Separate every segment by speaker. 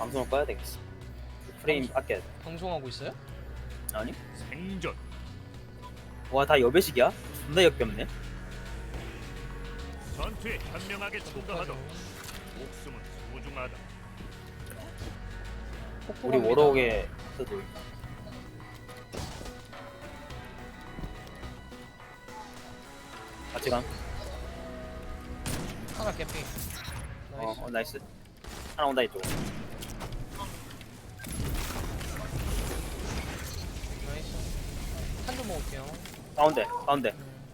Speaker 1: 방송을 꺼야 되겠어. 프레임 아껴야 돼.
Speaker 2: 방송하고 있어요?
Speaker 1: 아니?
Speaker 3: 생존.
Speaker 1: 와, 다 여배식이야? 존나 역겹네.
Speaker 3: 전투에 현명하게 충돌하도 목숨은 소중하다.
Speaker 1: 우리 워럭에 서도 같이 감.
Speaker 2: 하나 캠핑. 나이스.
Speaker 1: 나이스. 하나 온다 이쪽.
Speaker 2: 나이스. 한점 먹을게요.
Speaker 1: 가운데, 가운데.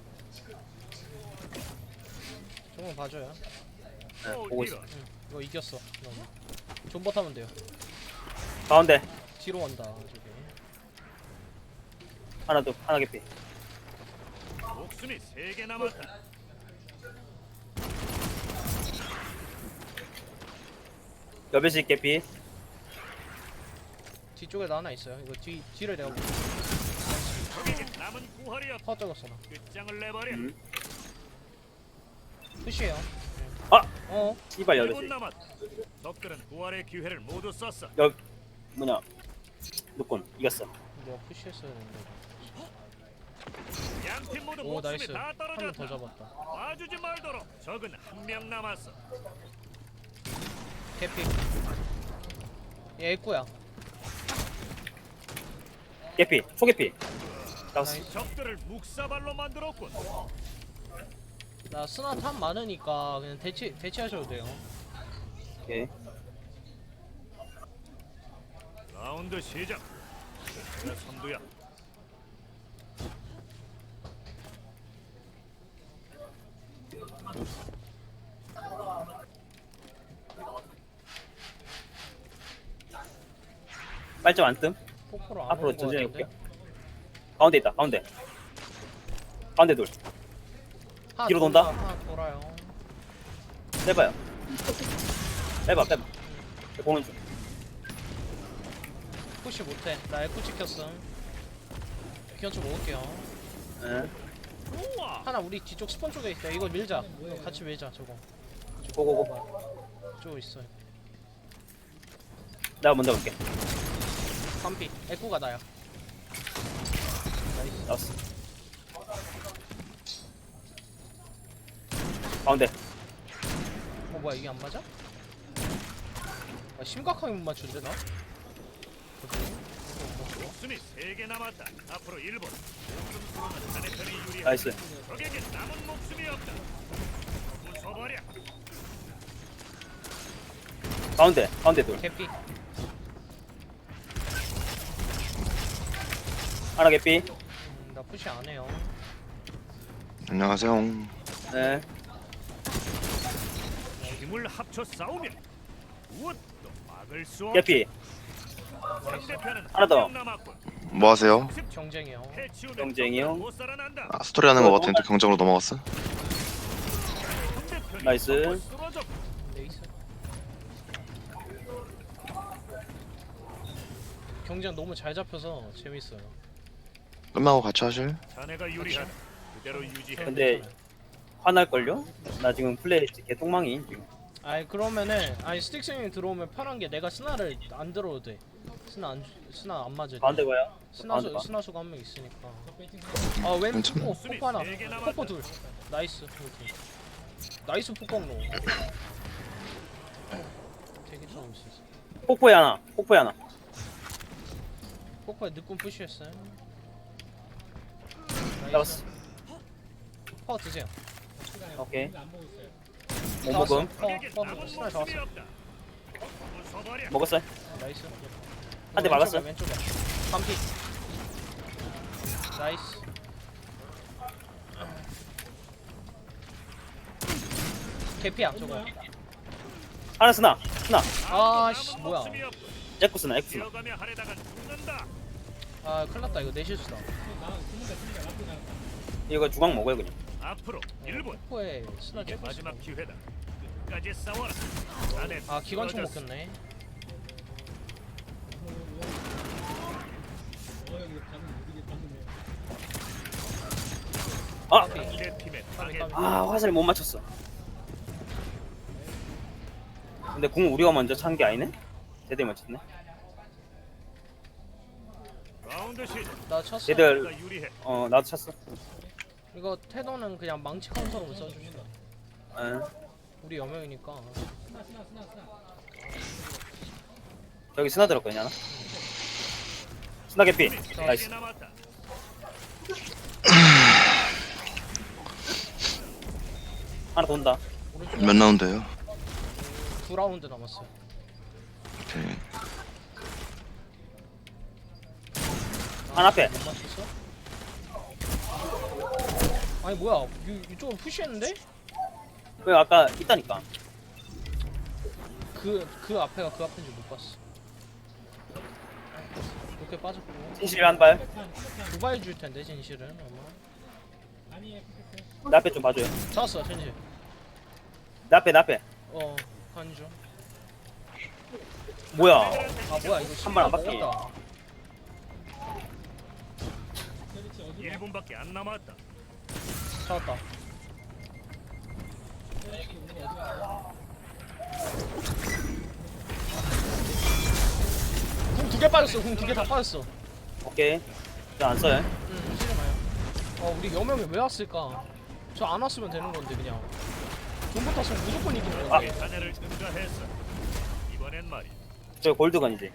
Speaker 2: 조금 봐줘요.
Speaker 1: 네, 보고 있어.
Speaker 2: 이거 이겼어. 존버 타면 돼요.
Speaker 1: 가운데
Speaker 2: 뒤로 간다. 저기.
Speaker 1: 하나 더, 하나 개피.
Speaker 3: 목숨이 3개 남았다.
Speaker 1: 여배식 개피.
Speaker 2: 뒤쪽에 나 하나 있어요. 이거 뒤를 내가
Speaker 3: 적에게 남은 부활이 없다.
Speaker 2: 퍼 적었어 나.
Speaker 3: 끝장을 내버려.
Speaker 2: 푸시해요.
Speaker 1: 아!
Speaker 2: 어?
Speaker 1: 씨발
Speaker 3: 1분
Speaker 1: 여배식.
Speaker 3: 남았다. 적들은 부활의 기회를 모두 썼어.
Speaker 1: 뭐냐? 누군 이겼어.
Speaker 2: 내가 푸시했어야 되는데.
Speaker 3: 양팀 모두
Speaker 2: 오
Speaker 3: 목숨이
Speaker 2: 나이스.
Speaker 3: 다
Speaker 2: 한 명 더
Speaker 3: 떨어졌다.
Speaker 2: 잡았다.
Speaker 3: 봐주지 말도록. 적은 1명 남았어.
Speaker 2: 개피. 얘 애꾸야.
Speaker 1: 개피, 초개피. 나왔어.
Speaker 2: 나이스.
Speaker 3: 적들을 묵사발로 만들었군.
Speaker 2: 나 스나 탑 많으니까 그냥 대치하셔도 돼요.
Speaker 1: 오케이.
Speaker 3: 라운드 시작. 내 선두야.
Speaker 1: 빨점 안 뜸.
Speaker 2: 포코로 안
Speaker 1: 앞으로
Speaker 2: 오는 거
Speaker 1: 천천히
Speaker 2: 같은데?
Speaker 1: 해볼게. 가운데 있다. 가운데. 가운데 둘.
Speaker 2: 하나
Speaker 1: 뒤로
Speaker 2: 돈다,
Speaker 1: 돈다?
Speaker 2: 하나 돌아요.
Speaker 1: 빼봐요. 빼봐. 보는 중.
Speaker 2: 푸시 못해. 나 에코 찍혔음. 기원초 먹을게요.
Speaker 1: 응.
Speaker 3: 우와.
Speaker 2: 하나 우리 뒤쪽 스폰 쪽에 있다. 이거 밀자. 이거 같이 밀자. 저거.
Speaker 1: 고고고.
Speaker 2: 저거 있어.
Speaker 1: 내가 먼저 볼게.
Speaker 2: 반피. 에코가 나야.
Speaker 1: 나왔어. 가운데.
Speaker 2: 뭐야 이게 안 맞아? 아, 심각하게 못 맞춘데 나?
Speaker 3: 목숨이 3개 남았다. 앞으로 1분. 목숨 수로는 자네 편이 유리하다.
Speaker 1: 나이스.
Speaker 3: 적에게 남은 목숨이 없다. 부숴버려.
Speaker 1: 가운데 둘.
Speaker 2: 개피.
Speaker 1: 하나 개피.
Speaker 2: 나 푸시 안 해요.
Speaker 4: 안녕하세요.
Speaker 1: 네.
Speaker 3: 힘을 합쳐 싸우면 무엇도 막을 수 없다.
Speaker 1: 개피.
Speaker 3: 상대편은
Speaker 1: 하나 더.
Speaker 3: 1명 남았군.
Speaker 4: 뭐 하세요?
Speaker 2: 경쟁이요.
Speaker 3: 해치우면
Speaker 1: 경쟁이요?
Speaker 3: 적들은 못 살아난다.
Speaker 4: 아, 스토리 하는 거 같으니까 경쟁으로 넘어갔어.
Speaker 3: 상대편이
Speaker 1: 나이스.
Speaker 3: 적을 쓰러져.
Speaker 2: 레이스. 경쟁 너무 잘 잡혀서 재밌어요.
Speaker 4: 끝나고 같이 하실?
Speaker 3: 자네가 유리하다. 그대로 유지해.
Speaker 1: 근데 화날걸요? 나 지금 플레이 개똥망이 지금.
Speaker 2: 아니 그러면은 아니 스틱스님 들어오면 편한 게 내가 스나를 안 들어도 돼. 스나 안 맞을 때.
Speaker 1: 가운데 봐요. 가운데 봐.
Speaker 2: 스나수가 한 명 있으니까. 왼
Speaker 4: 괜찮아.
Speaker 2: 포코 하나. 포코 둘. 나이스. 이렇게. 나이스 포코로. 되게 좋은 있었어.
Speaker 1: 폭포에 하나.
Speaker 2: 포코에 늦군 푸시했어요.
Speaker 1: 잡았어.
Speaker 2: 파워 드세요.
Speaker 1: 오케이. 못
Speaker 2: 나왔어.
Speaker 1: 먹음.
Speaker 3: 적에게
Speaker 2: 스나
Speaker 3: 남은
Speaker 2: 잡았어.
Speaker 3: 목숨이 없다. 부숴버려.
Speaker 1: 먹었어요.
Speaker 2: 나이스.
Speaker 1: 한대 막았어.
Speaker 2: 왼쪽에. 반피. 나이스. 개피야 저거.
Speaker 1: 하나 쓰나.
Speaker 2: 아씨
Speaker 3: 남은
Speaker 2: 뭐야.
Speaker 3: 목숨이 없군.
Speaker 1: 에쿠 쓰나.
Speaker 3: 뛰어가며 하려다간 죽는다.
Speaker 2: 아 큰일났다 이거 내 실수다.
Speaker 1: 이거 주광 먹어요 그냥.
Speaker 3: 앞으로 1분.
Speaker 2: 포에 스나
Speaker 3: 이게
Speaker 2: 찍고
Speaker 3: 마지막
Speaker 2: 있어.
Speaker 3: 기회다. 끝까지 싸워라. 자네
Speaker 2: 아 기관총
Speaker 3: 쓰러졌어.
Speaker 2: 먹혔네.
Speaker 1: 아!
Speaker 3: 상대 팀의 타겟.
Speaker 1: 아, 화살 못 맞췄어. 근데 궁 우리가 먼저 찬 게 아니네? 제대로 맞췄네.
Speaker 3: 라운드 시작.
Speaker 2: 나 쳤어.
Speaker 1: 얘들
Speaker 3: 내가 유리해.
Speaker 1: 나도 찼어.
Speaker 2: 이거 테더는 그냥 망치 카운터로 써줍시다.
Speaker 1: 응.
Speaker 2: 우리 여명이니까.
Speaker 1: 저기 스나 들었거든요 하나. 스나 개피.
Speaker 3: 세개
Speaker 1: 나이스.
Speaker 3: 남았다.
Speaker 1: 하나 돈다.
Speaker 2: 오른쪽
Speaker 4: 몇 라운드예요?
Speaker 2: 2라운드 남았어요.
Speaker 4: 오케이.
Speaker 1: 하나 앞에.
Speaker 2: 못 맞췄어? 아니 뭐야? 이쪽은 푸시했는데?
Speaker 1: 왜 아까 있다니까.
Speaker 2: 그 앞에가 그 앞인지 못 봤어. 이렇게 빠졌고.
Speaker 1: 진실 한 발.
Speaker 2: 두바이 줄 텐데 진실은 아마.
Speaker 1: 내 앞에 좀 봐줘요.
Speaker 2: 잡았어 진실.
Speaker 1: 내 앞에.
Speaker 2: 아니죠.
Speaker 1: 뭐야?
Speaker 2: 아 뭐야 이거
Speaker 1: 한발안
Speaker 2: 신발
Speaker 1: 받기.
Speaker 2: 먹었다.
Speaker 3: 1분밖에 안 남았다.
Speaker 2: 잡았다. 궁 2개 빠졌어. 궁 2개 다 빠졌어.
Speaker 1: 오케이. 저 안 써요.
Speaker 2: 쓰지 마요. 우리 여명이 왜 왔을까? 저 안 왔으면 되는 건데 그냥. 존버 탔으면 무조건 이기는 건데.
Speaker 3: 자네를 응가했어. 이번엔 말이.
Speaker 1: 저 골드건이지.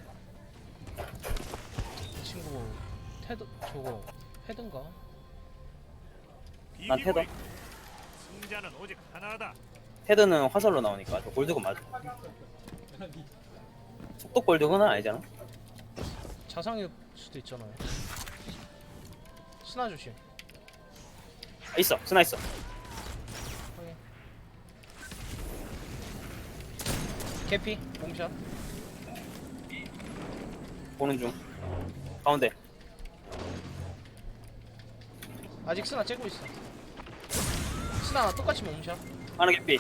Speaker 2: 이 친구 테드 저거 헤든가?
Speaker 1: 난 테더.
Speaker 3: 승자는 오직 하나다.
Speaker 1: 테드는 화살로 나오니까 저 골드건 맞아. 속도 골드건은 아니잖아.
Speaker 2: 자상일 수도 있잖아요. 스나 조심.
Speaker 1: 있어. 스나 있어.
Speaker 2: 확인. 개피 몸샷.
Speaker 1: 보는 중. 가운데.
Speaker 2: 아직 스나 째고 있어. 스나 똑같이 몸샷.
Speaker 1: 하나 개피.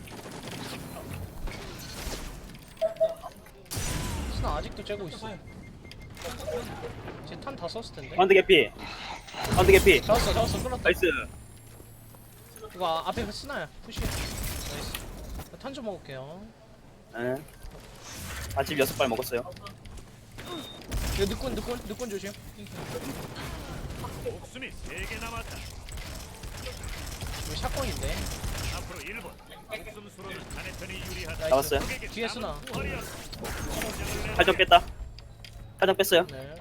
Speaker 2: 스나 아직도 째고 있어. 쟤 탄 다 썼을 텐데.
Speaker 1: 가운데 개피. 가운데 개피.
Speaker 2: 잡았어 끌었다.
Speaker 1: 나이스.
Speaker 2: 이거 앞에 그 스나야. 푸시. 나이스. 탄 좀 먹을게요.
Speaker 1: 응. 아집 6발 먹었어요.
Speaker 2: 이거 늦군 조심.
Speaker 3: 목숨이 3개 남았다.
Speaker 2: 이거 샷건인데.
Speaker 3: 앞으로 1분. 목숨 수로는 자네 편이 유리하다.
Speaker 2: 나이스.
Speaker 1: 잡았어요.
Speaker 2: 뒤에 스나.
Speaker 1: 팔정 뺐다. 팔정 뺐어요.
Speaker 2: 네.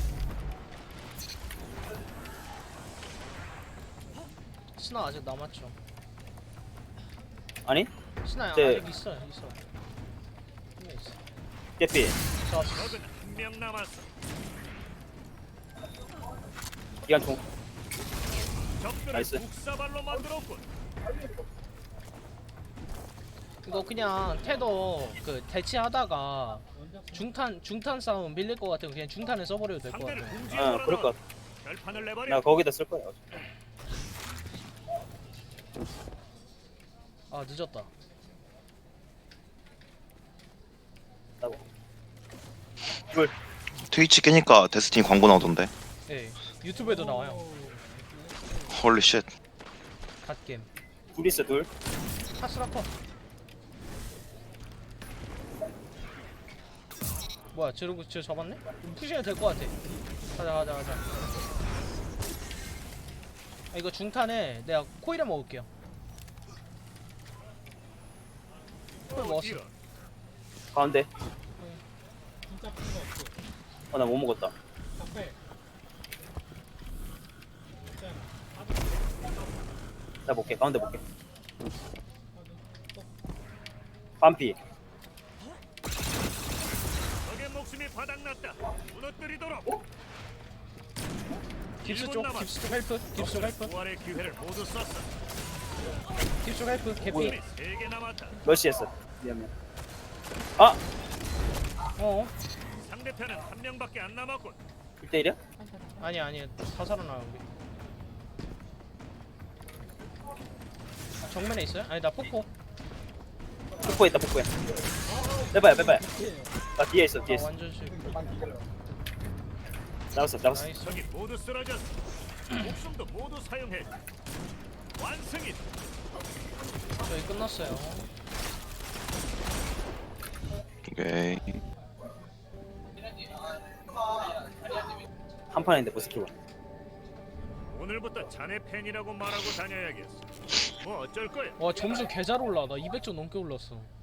Speaker 2: 스나 아직 남았죠.
Speaker 1: 아니?
Speaker 2: 스나
Speaker 1: 네.
Speaker 2: 아직 있어. 한명 있어.
Speaker 1: 개피.
Speaker 2: 잡았어.
Speaker 3: 적은 1명 남았어.
Speaker 1: 기관총.
Speaker 3: 적들을
Speaker 1: 나이스.
Speaker 3: 국사발로 만들었군.
Speaker 2: 이거 그냥 테더 그 대치하다가 중탄 싸움 밀릴 것 같으면 그냥 중탄을 써버려도 될 것
Speaker 3: 상대를
Speaker 2: 같아.
Speaker 3: 궁지에
Speaker 1: 그럴 것
Speaker 3: 몰아넣어.
Speaker 1: 같아.
Speaker 3: 결판을 내버려.
Speaker 1: 나 거기다 쓸 거야.
Speaker 2: 아 늦었다.
Speaker 1: 나고. 둘.
Speaker 4: 트위치 깨니까 데스티니 광고 나오던데.
Speaker 2: 예. 유튜브에도 나와요.
Speaker 4: 헐리 쉣.
Speaker 2: 갓겜.
Speaker 1: 둘 있어, 둘.
Speaker 2: 카스라커. 뭐야 저러고 저 잡았네? 푸시해도 될 것 같아. 가자. 아, 이거 중탄에 내가 코일에 먹을게요. 코일 먹었어.
Speaker 3: 이런.
Speaker 1: 가운데. 나 못 먹었다. 나 볼게. 가운데 볼게. 반피.
Speaker 3: 적의 목숨이 바닥났다. 무너뜨리도록.
Speaker 2: 깁스
Speaker 3: 1분
Speaker 2: 쪽
Speaker 3: 남았어.
Speaker 2: 깁스 쪽 헬프. 깁스 쪽 헬프.
Speaker 3: 부활의 기회를 모두 썼어.
Speaker 2: 깁스 쪽 헬프. 개피.
Speaker 3: 목숨이 3개 남았다.
Speaker 1: 몇 시였어? 미안해. 아!
Speaker 2: 어?
Speaker 3: 상대편은 1명밖에 안 남았군.
Speaker 1: 1대1이야?
Speaker 2: 아니 다 살아나 우리. 정면에 있어요? 아니 나 폭포.
Speaker 1: 폭포에 있다, 폭포에. 빼봐요. 나 뒤에 있어, 뒤에
Speaker 2: 아
Speaker 1: 있어.
Speaker 2: 완전 실.
Speaker 1: 나왔어.
Speaker 2: 나이스.
Speaker 3: 적이 모두 쓰러졌어. 목숨도 모두 사용해. 완승이다.
Speaker 2: 저희 끝났어요.
Speaker 4: 오케이.
Speaker 1: 한 판인데 못 스키고.
Speaker 3: 오늘부터 자네 팬이라고 말하고 다녀야겠어. 뭐 어쩔 거야.
Speaker 2: 와 점수 개 잘 올라. 나 200점 넘게 올랐어.